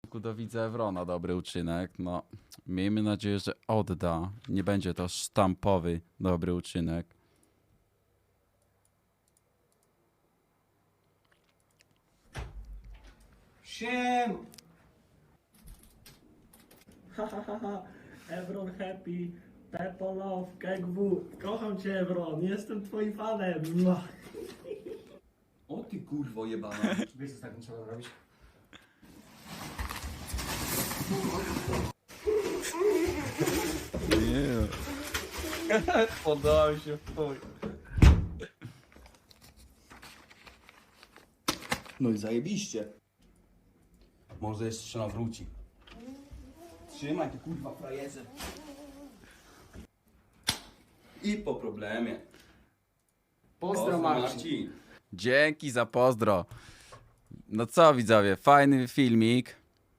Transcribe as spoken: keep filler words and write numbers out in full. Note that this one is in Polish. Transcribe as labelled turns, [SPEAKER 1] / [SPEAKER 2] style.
[SPEAKER 1] stosunku do widza Ewrona dobry uczynek. No, miejmy nadzieję, że odda. Nie będzie to sztampowy dobry uczynek.
[SPEAKER 2] Siem! Ha ha ha ha, Evron happy, Pepo love, K G W. Kocham cię Evron, jestem twoim fanem. Mua.
[SPEAKER 3] O ty kurwo jebana.
[SPEAKER 2] Wiesz co z takim trzeba zrobić?
[SPEAKER 1] Nie.
[SPEAKER 3] Podałem się w chuj. No i zajebiście. Może jeszcze nawróci. Trzymaj ty kurwa frajerze. I po problemie.
[SPEAKER 2] Pozdro Marcin.
[SPEAKER 1] Dzięki za pozdro. No co widzowie, fajny filmik.